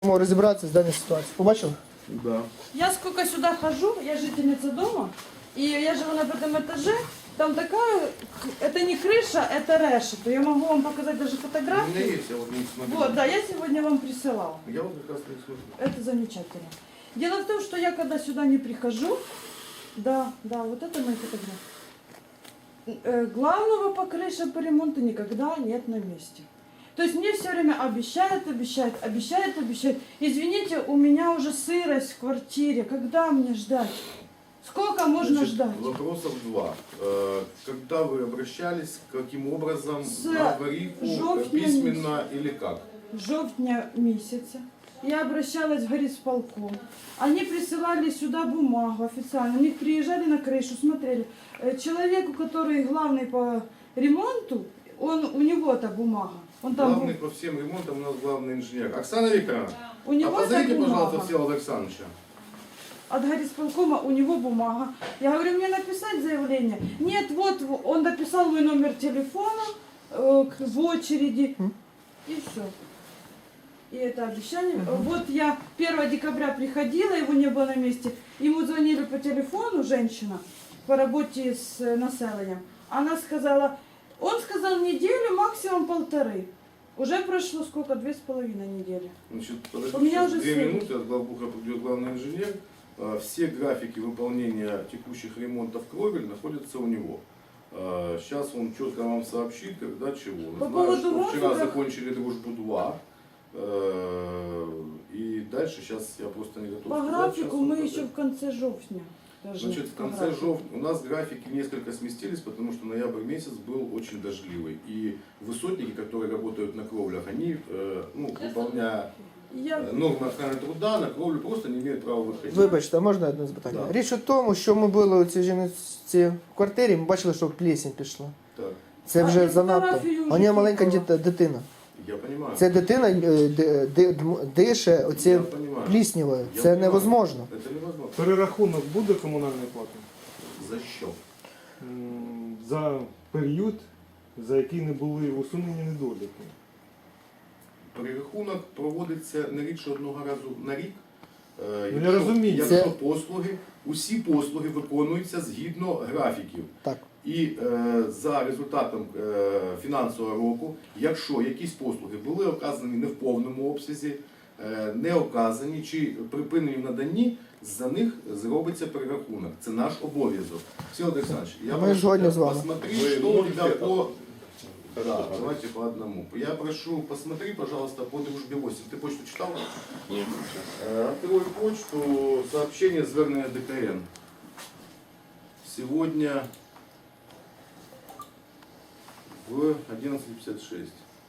Розібратися з даною ситуацією. Побачили? Да. Я сколько сюда хожу, я жительница дома, и я живу на 5 этаже, там такая, это не крыша, это решето. Я могу вам показать даже У меня фотографии. есть, я вот не смотрю. Вот, да, я сегодня вам присылала. Я вот как раз не смотрю. Это замечательно. Дело в том, что я когда сюда не прихожу, да, вот это мои фотографии. Главного по крыше по ремонту никогда нет на месте. То есть мне все время обещают. Извините, у меня уже сырость в квартире. Когда мне ждать? Сколько можно Значит, ждать? Вопросов два. Когда вы обращались, каким образом, С на аварийку, жовтня письменно или как? Жовтня месяца. Я обращалась в горисполком. Они присылали сюда бумагу официально. У них приезжали на крышу, смотрели. Человеку, который главный по ремонту, у него та бумага. Он там Главный по всем ремонтам у нас главный инженер. Оксана Викторовна, у него та позовите, бумага. пожалуйста, Всеволода Александровича. От горисполкома у него бумага. Я говорю, мне написать заявление? Нет, вот он написал мой номер телефона в очереди. И все. И это обещание. Вот я 1 декабря приходила, его не было на месте. Ему звонили по телефону, женщина, по работе с населением. Она сказала, он сказал неделю, максимум 1,5. Уже прошло сколько? 2,5 недели. Значит, У меня подождите, уже 2 7. минуты, от главбуха придет главный инженер. Все графики выполнения текущих ремонтов кровель находятся у него. Сейчас он четко вам сообщит, когда чего. По Знаю, поводу что вчера графиков- закончили дружбу 2. И дальше сейчас я просто не готов По сказать, графику сейчас он мы показать. еще в конце жовтня. Значит, в конце жовтня у нас графики несколько сместились, потому что ноябрь месяц был очень дождливый. И высотники, которые работают на кровлях, они, выполняя нормы охраны труда, на кровлю просто не имеют права выходить. Вибачте, а можна одне запитання? Да. Річ у тому, що ми були у цій жінці в квартирі, ми бачили, що плесень пішла. Так, Це А вже я занадто. фотографію вже У неї маленька купила. дитина. я понимаю. Ця дитина дише Я оці понимаю. пліснявою. Я Це понимаю. невозможно. Это невозможно. Перерахунок буде комунальної плати? За що? За період, за який не були усунені недоліки. Перерахунок проводиться не рідше одного разу на рік. я розумію. Якщо Це- послуги, усі послуги виконуються згідно графіків. Так. І за результатом фінансового року, якщо якісь послуги були оказані не в повному обсязі, не оказані чи припинені в наданні, за них зробиться перерахунок. Це наш обов'язок. Всеволод Александрович, я Ми прошу згодні тебя з вами. посмотри, что у тебя по... Да, давайте по одному. Я прошу, посмотри, пожалуйста, по дружбе 8. Ты почту читал? Нет. Открой почту, сообщение звернення ДКН. Сегодня в 11:56.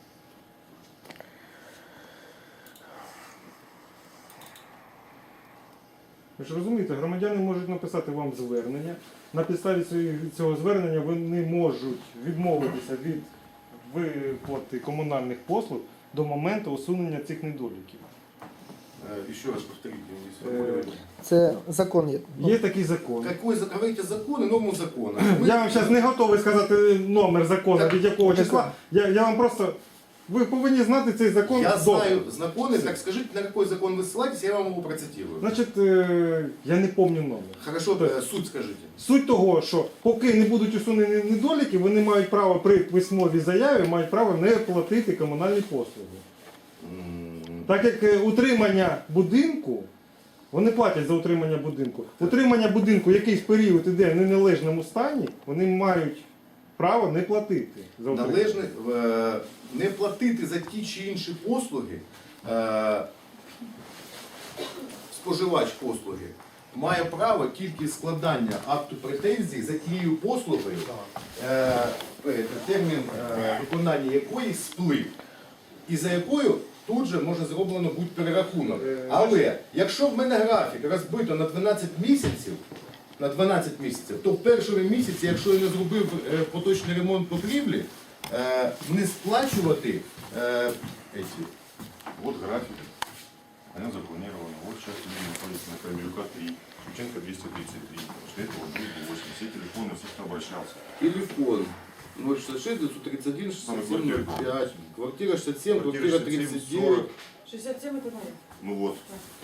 Ви ж розумієте, громадяни можуть написати вам звернення. На підставі цього звернення вони можуть відмовитися від виплати комунальних послуг до моменту усунення цих недоліків. Еще раз повторите. если вы говорите. Це закон є. Є такий закон. Какой говорите закон и норму закона? Я вам зараз не готовий сказати номер закону, від якого числа. Я вам просто... Ви повинні знати цей закон Я добре. знаю законы, так скажите, на какой закон вы ссылаетесь, я вам его процитирую. Значить, я не пам'ятаю номер. Хорошо, суть скажите. Суть того, що поки не будуть усунені недоліки, вони мають право при письмовій заяві, мають право не платити комунальні послуги. Так як утримання будинку, вони платять за утримання будинку. Утримання будинку якийсь період іде в неналежному стані, вони мають право не платити за утримання. Належне не платити за ті чи інші послуги, споживач послуги має право тільки складання акту претензій за тією послугою, термін виконання якої сплив, і за якою тут же може зроблено бути перерахунок. Але якщо в мене графік розбито на 12 місяців, то в першому місяці, якщо я не зробив поточний ремонт покрівлі, не сплачувати эти. Вот график. Она запланирована. Вот сейчас люди находятся на Крамилюка 3, Шевченко 233. После этого будет 8. Все телефоны, все, кто обращался. Телефон 066 931 67 05. Квартира 67, квартира 39. 67 это моя. Ну вот.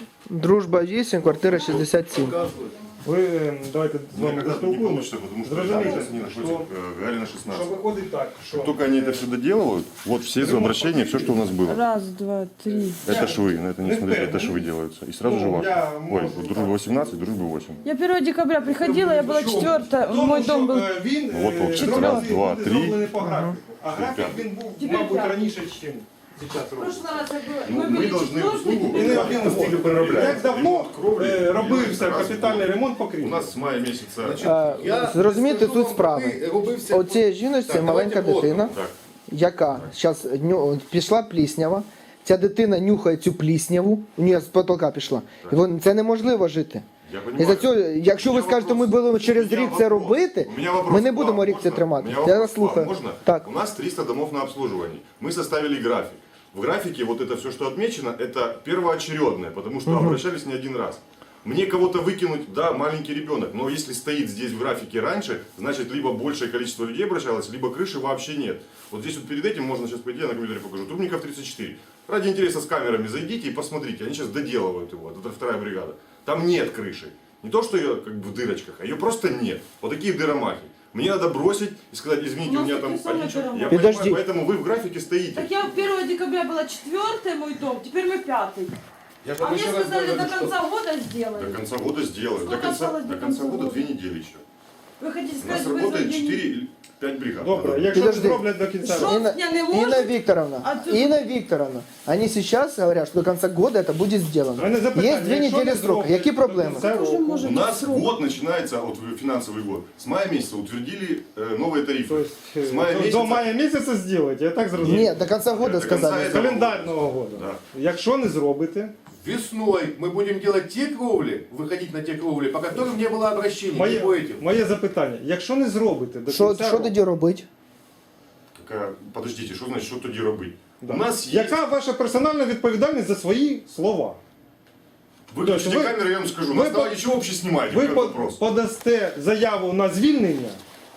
Дружба 8, квартира 67. Показують. Ви давайте з Ну, вами как раз не поспілкуємося. получится, потому что Зрозумійте, сейчас не находится що, Галина що 16. виходить так, що Только они это все доделывают, вот все обращения, все, что у нас было. Раз, два, три. Это ж вы, на это не смотрите, это ж вы делаются. И сразу Ну, же ваше. я Ой, могу, дружба 18, дружба 8. Я 1 декабря приходила, я была Чому? 4-я, Тому мой що, дом был... він Ну, от общий. два Раз, рази два, буде три. зроблений по графіку. А графік П'ятий. він був, Тепер мабуть, п'ятий. раніше, ніж зараз В робиться. прошлый раз я была... Ну, мы мы были должны 4-й, услугу теперь в пятый. этом стиле переробляем. Як давно робився раз в капітальний год. ремонт У покрівлі? нас с мая месяца. Зрозумійте скажу суть вам, справи. аби робився- Оцій жіночці Так, маленька давайте плотно. дитина, Так. яка зараз пішла пліснява. Ця дитина нюхає цю плісняву, у неї з потолка пішла. І це неможливо жити. Я І понимаю. за цього, якщо У ви меня скажете, ми вопрос. будемо через У меня рік це вопрос. робити, У меня вопрос ми не к будемо вам. рік це Можно? тримати. У меня Я вопрос вас к вам. слухаю. Можно? Так. У нас 300 домов на обслуживании. Мы составили график. В графике вот это все, что отмечено, это первоочередное, потому что обращались не один раз. Мне кого-то выкинуть, да, маленький ребенок, но если стоит здесь в графике раньше, значит либо большее количество людей обращалось, либо крыши вообще нет. Вот здесь вот перед этим можно сейчас пойти, я на компьютере покажу. Трубников 34. Ради интереса с камерами зайдите и посмотрите, они сейчас доделывают его, это вторая бригада. Там нет крыши. Не то, что ее как бы в дырочках, а ее просто нет. Вот такие дыромахи. Мне надо бросить и сказать, извините, У у нас меня там... такие самые ничего. дыромахи. Я Подожди. понимаю, поэтому вы в графике стоите. Так я 1 декабря была 4-й мой дом, теперь мы 5-й. Я ж А вам мне ще раз сказали, говорю, до що конца года До сделают. конца года сделаю. Сколько осталось До конца года 2 недели еще. Вы хотите У нас сказать, вы работает за день- 4 или 5 бригад. Добре, якщо Підожди. зроблять до кінця Що? року. Инна, Я не Инна может. Викторовна, А ты- Инна Викторовна, они сейчас говорят, что до конца года это будет сделано. У мене запитання, Есть 2 якщо недели не срока. зроблять Які до проблеми? кінця Тоже року, может У быть нас срок. год начинается, вот финансовый год, с мая месяца утвердили новые тарифы. Тобто, С мая до месяца... мая місяця зробите, я так зрозумів? Нет, до конца года До конца сказали. этого- Календарного року. Да. Якщо не зробите, весной мы будем делать те кровли, выходить на те кровли, по которым не было обращений, не по этим. моє запитання, якщо не зробите до Що кінця року, тоді робити? Подождите, что значит, что тоді робити? да. У нас есть... яка ваша персональна відповідальність за свої слова? Выключите Вы- камеру, я вам скажу. вы На по- основании чего вообще снимаете? Ви Вот этот вопрос. подасте заяву на звільнення?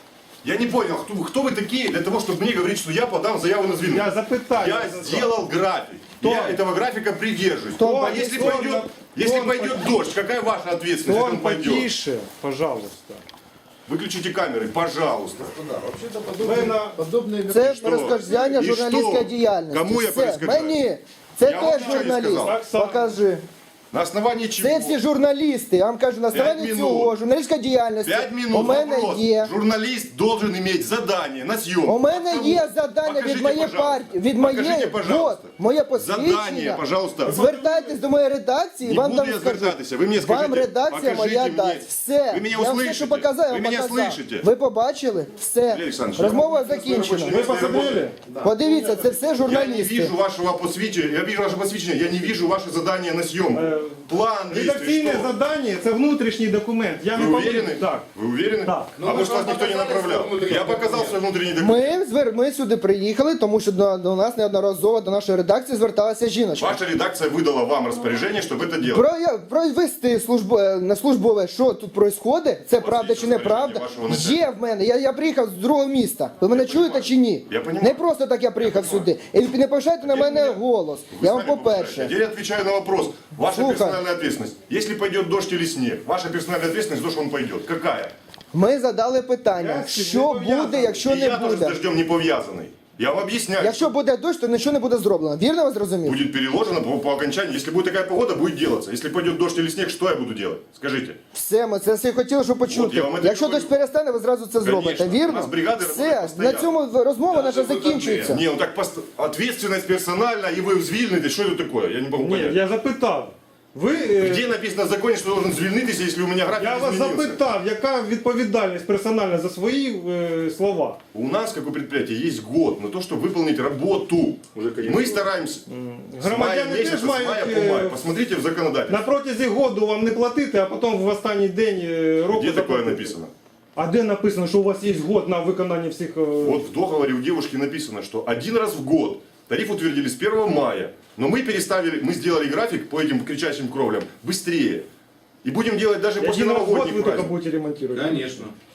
Я не понял, кто вы такие для того, чтобы мне говорить, что я подам заяву на звільнення? Я запитаю. Я сделал график. Я этого графика придерживаюсь. Кто? А если Кто? пойдет, если Кто? пойдет дождь, какая ваша ответственность, если Тон он пойдет? потише, пожалуйста. Выключите камеры, пожалуйста. Да, вообще-то Ви на... подобные Це що? розказання І журналістської що? діяльності. Кому я Все, перешкоджаю? мені. Це Я вам теж нічого не журналіст. сказав. Так само. Покажи. На основании чего? Це всі журналісти. Я вам кажу, на 5 основанні минут. цього журналістська діяльність. 5 У минут мене вопрос. є. Журналист должен иметь задание на съемку. У мене Кому? є завдання Покажите, від моєї пожалуйста. партії, від Покажите, моєї, пожалуйста. от, моє Задание, посвідчення. пожалуйста. Звертайтесь до моєї редакції, Не вам буду там я скажуть. звертатися. Ви мені скажіть, Вам редакція покажіть моя мені. дасть. Все. Ви мене Я вам все, що услышите. показав, я Ви вам мене показав. слышите. Ви побачили? Все. Валерій Олександрович, Розмова закінчена. Ви посмотрели? Подивіться, це все Я не журналісти. вижу вашего посвящения, я вижу ваше посвящение, я не вижу ваше задание на съемку. План действий, Редакційне что? завдання – це внутрішній документ. Я Вы не повинен- уверены? Так. Вы уверены? Так. Ну, А вы может же вас никто не показали направлял? свой внутренний Я показал документ. свой внутренний документ. Ми сюди приїхали, тому що до нас неодноразово, до нашої редакції зверталася жіночка. Ваша редакция выдала вам распоряжение, чтобы это делать. Провести на службове, що тут відбувається, це правда чи неправда, вашого начальника. є в мене. Я приїхав з другого міста. Ви мене чуєте чи ні? Я понімаю. Не просто так я приїхав сюди. І не повишайте на мене голос. Вы Я вам сами повышаете. по-перше. Теперь отвечаю на вопрос. Ваша Слухай. персональная ответственность. Если пойдет дождь или снег, ваша персональная ответственность, то, что он пойдет. Какая? Ми задали питання, Я з цим що не пов'язаний. буде, якщо И не я тоже с буде. дождем не повязанный. Я вам объясняю. Якщо буде дощ, то нічого не буде зроблено. Вірно ви зрозуміли? Будет переложено по окончании. Если будет такая погода, будет делаться. Если пойдет дождь или снег, что я буду делать? Скажите. Все, ми це все хотіли, щоб От почути. я вам і Якщо говорю. дощ перестане, ви зразу це зробите. У Вірно? нас бригади Все, працюють на постійно. цьому розмова наша закінчується. Не, ну так ответственность персональна, и вы звільнитесь. Что это такое? Я не могу Ні, понять. я запитав. Ви, Где написано в законе, что должен звільнитися, если у меня график я вас изменился? запитав, яка відповідальність персональна за свої слова? У нас, как у предприятия, есть год на то, чтобы выполнить работу. И мы стараемся с мая Громадяни месяца, теж с мая мають по май. Посмотрите в законодательстве. на протязі году вам не платити, а потім в останній день року Где такое заплатити. написано? А де написано, що у вас є год на виконання всіх... Вот в договоре у девушки написано, что один раз в год тариф утвердили с 1 мая, но мы переставили, мы сделали график по этим кричащим кровлям быстрее. И будем делать даже после Один раз в год новогодних ви тільки праздников. будете ремонтувати? Конечно.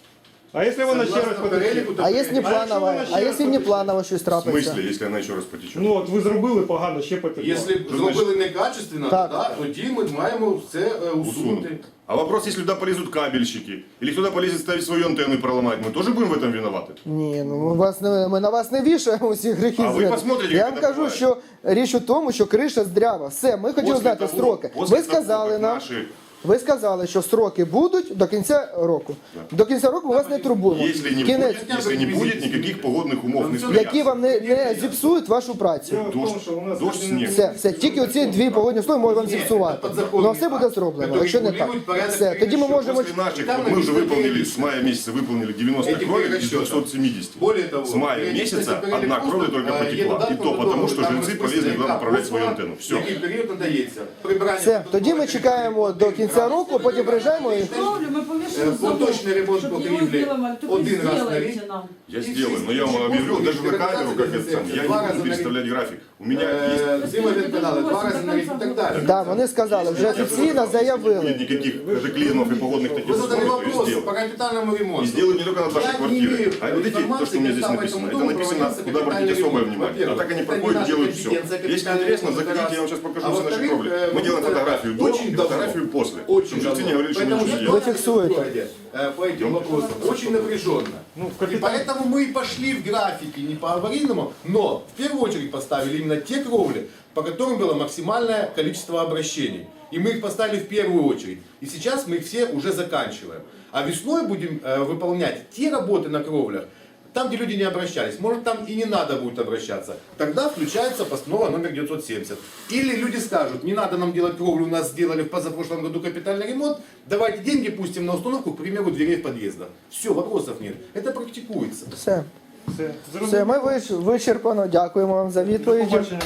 А якщо вона ще раз Согласно потече? переліку, то А якщо не якщо планово, вона ще а раз якщо не потече? планово щось В трапиться? смысле, если она еще раз потечет? Ну от ви зробили погано, ще потекло. Якщо зробили некачественно, Так. да, тоді ми маємо це усунути. А вопрос, если туда полезут кабельщики, или кто-то полезет ставить свою антенну и проломать, мы тоже будем в этом виноваты? Ні, ну ми на вас не вішаємо усі гріхи. А ви звинувачення. посмотрите, Я як вам це кажу, буває. що річ у тому, що криша здрява. Все, ми хотіли знати строки. Ви сказали нам. Ви сказали, що строки будуть до кінця року. До кінця року ми вас не турбуємо. Если не, Кінець, будет, если не будет никаких погодных умов, не які вам не зіпсують вашу працю. Дело в тому, Дождь, що у нас дождь, снег. Все, тільки оці дві погодні условия можуть вам зіпсувати. Ну, все буде зроблено. Якщо не так, все, тоді ми можемо. После наших, вот мы уже выполнили, с мая месяца выполнили 90 Этих кровель из перерасчетов. 270. Более того, С мая периодически месяца перелік одна просто, кровля только потекла. И то потому, что жильцы полезли туда направлять свою антенну. Все. Який період надається? Прибирання. Все, тоді ми чекаємо до кінця року, потім приїжджаємо і. Кровлю мы повешаем замок, Поточний ремонт чтобы покрівлі его сделали. Только один раз на сделайте рік. нам. Я сделаю, но я вам объявил даже на камеру, как это самое. Я не буду переставлять график. У меня есть... Зимові-канали, 2 рази на рік і так далі. Да, вони сказали, вже офіційно Нет заявили. никаких катаклизмов и погодных таких Ви задали условий, то я вопрос сделаю. по капітальному И ремонту. сделаю не только над вашей Я не квартирой. имею А вот эти, то, что у меня здесь информации, написано, когда это написано, проводился куда обратить капитальный особое ремонт. внимание. А Во-первых, так они это проходят, не наша делают все. компетенция, Если капитальный интересно, ремонт, это заходите, я вам раз. сейчас покажу А все наши во-вторых, кровли. Мы делаем вот фотографию до очень и давно. фотографию после. Очень Чтобы жильцы не давно. говорили, что мы Поэтому ничего не Вы делаем. фиксуете. по этим вопросам очень напряженно. Ну, в И капитал- поэтому мы и пошли в графике не по аварийному, но в первую очередь поставили именно те кровли, по которым было максимальное количество обращений. И мы их поставили в первую очередь. И сейчас мы их все уже заканчиваем. А весной будем выполнять те работы на кровлях, там, где люди не обращались. Может, там и не надо будет обращаться. Тогда включается постанова номер 970. Или люди скажут, не надо нам делать кровлю, у нас сделали в позапрошлом году капитальный ремонт, давайте деньги пустим на установку, к примеру, дверей в подъездах. Все, вопросов нет. Это практикуется. Все. Все, Все, ми вичерпано. Дякуємо вам за До відповіді. побачення.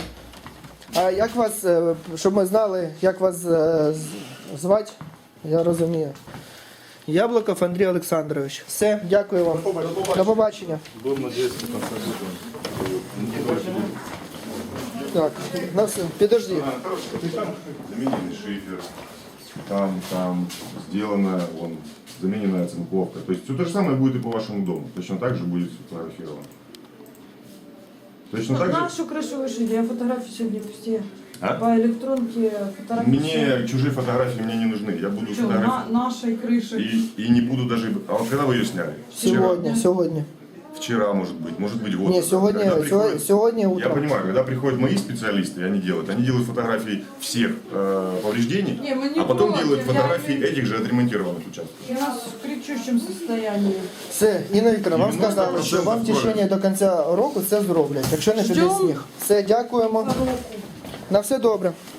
А як вас, щоб ми знали, як вас звати? Я розумію. Яблуков Андрій Олександрович. Все, дякую вам. До побачення. Так, на все. Підожди. Замененный шифер. Там сделана замененная оцинковка. То есть все то же самое будет и по вашему дому. Точно так же будет сфотографировано. Точно так же. Нашу крышу вышли, я фотографии сегодня все. А? По электронке фотографии. Мне чужие фотографии мне не нужны. Я буду Что, фотографировать. нашей крыши. И не буду даже... А вот когда вы ее сняли? Сьогодні. Вчера, может быть год. Ні, назад. сьогодні, Когда приходят- сьогодні Я утром. понимаю, когда приходят мои специалисты, они делают фотографии всех повреждений, Не, мы не а потом против, делают я фотографии имею- этих же отремонтированных участков. У нас в кричущем состоянии. Все, Інна Вікторовна, вам 90% сказали, що вам в течение правильно. до кінця року це зроблять, якщо не піде Ждем. сніг. Все, дякуємо. На все добре.